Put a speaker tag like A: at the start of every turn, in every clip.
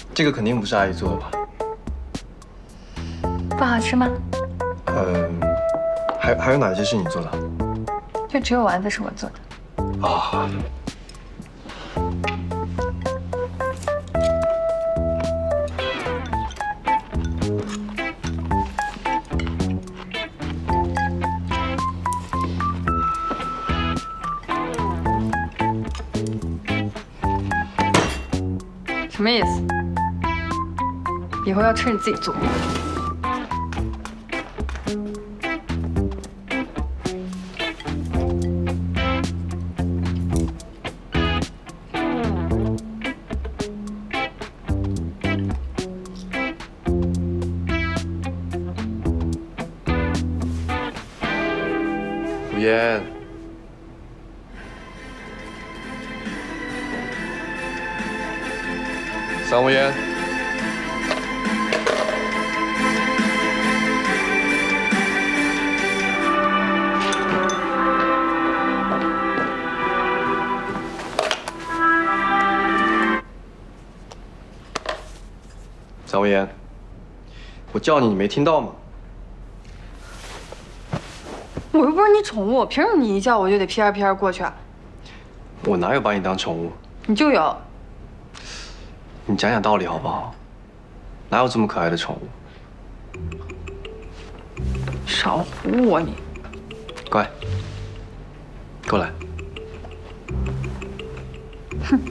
A: 这个肯定不是阿姨做的吧？
B: 不好吃吗？
A: 还有哪些是你做的？
B: 就只有丸子是我做的。
A: 啊。
B: 什么意思？以后要吃你自己做。
A: 吴嫣，桑无烟。桑无烟，我叫你，你没听到吗？
B: 我又不是你宠物，凭什么你一叫我就得屁颠屁颠过去啊？
A: 我哪有把你当宠物？
B: 你就有。
A: 你讲讲道理好不好？哪有这么可爱的宠物？
B: 少唬我你！
A: 乖，过来。
B: 哼。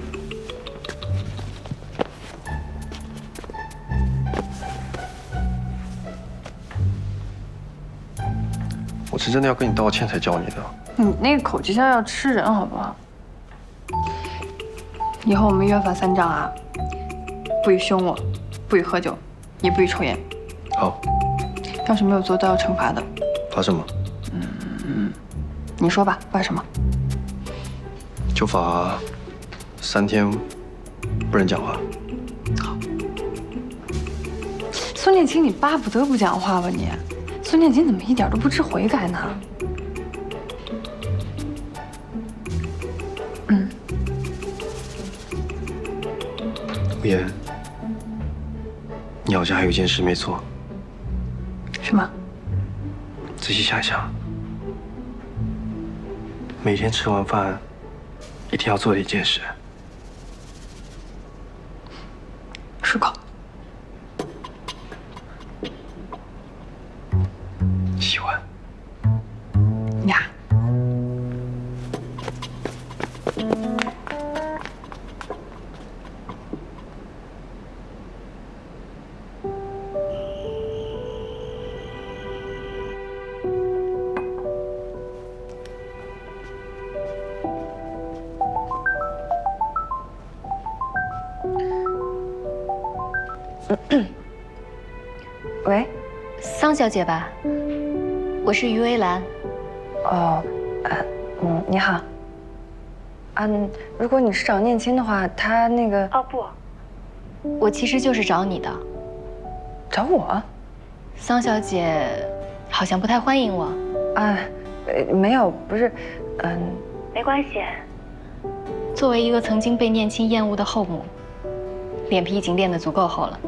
A: 我是真的要跟你道歉才叫你的。
B: 你那个口就像要吃人，好不好？以后我们约法三章啊，不许凶我，不许喝酒，也不许抽烟。
A: 好。
B: 要是没有做到要惩罚的。
A: 罚什么？
B: 你说吧，罚什么？
A: 就罚3天不能讲话。
B: 好。孙念青，你巴不得不讲话吧你？孙念青怎么一点都不知悔改呢？
A: 吴嫣，你好像还有一件事没做。
B: 什么？
A: 仔细想想，每天吃完饭一定要做的一件事。
B: 漱口。
A: 喜欢。
B: 呀。喂，
C: 桑小姐吧？我是于薇兰。
B: 哦，你好。如果你是找念青的话，他那个……
C: 哦不，我其实就是找你的。
B: 找我？
C: 桑小姐好像不太欢迎我。
B: 没有，不是，
C: 没关系。作为一个曾经被念青厌恶的后母，脸皮已经练得足够厚了。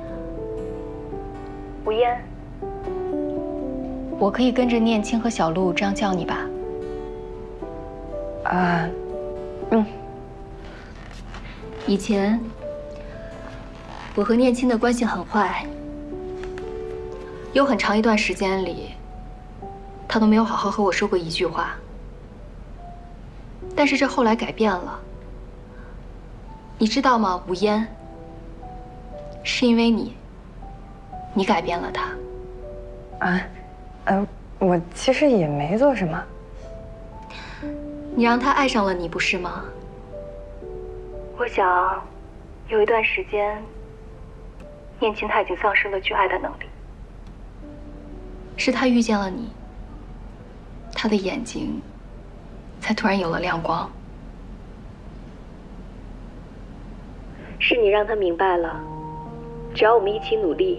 C: 吴嫣，我可以跟着念青和小璐这样叫你吧？以前我和念青的关系很坏，有很长一段时间里，他都没有好好和我说过一句话。但是这后来改变了，你知道吗，吴嫣？是因为你改变了他。
B: 我其实也没做什么。
C: 你让他爱上了你，不是吗？我想，有一段时间，念青他已经丧失了去爱的能力。是他遇见了你，他的眼睛才突然有了亮光。是你让他明白了，只要我们一起努力，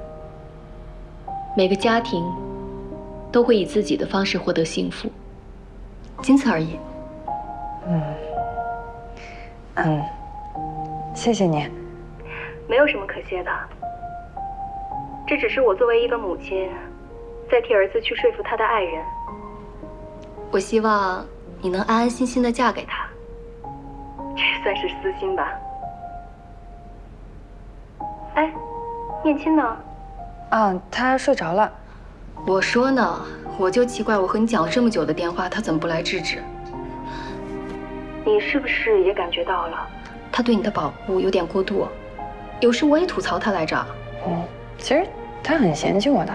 C: 每个家庭都会以自己的方式获得幸福，仅此而已。
B: 谢谢你。
C: 没有什么可谢的，这只是我作为一个母亲，在替儿子去说服他的爱人。我希望你能安安心心的嫁给他，这也算是私心吧。哎，念亲呢？
B: 啊，他睡着了。
C: 我说呢，我就奇怪，我和你讲了这么久的电话，他怎么不来制止？你是不是也感觉到了，他对你的保护有点过度？有时我也吐槽他来着。
B: 其实他很嫌弃我的。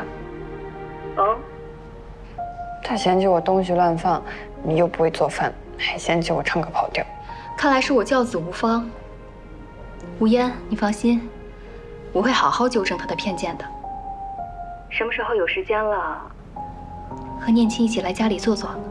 B: 他嫌弃我东西乱放，你又不会做饭，还嫌弃我唱歌跑调。
C: 看来是我教子无方。无烟，你放心，我会好好纠正他的偏见的。什么时候有时间了，和念亲一起来家里坐坐？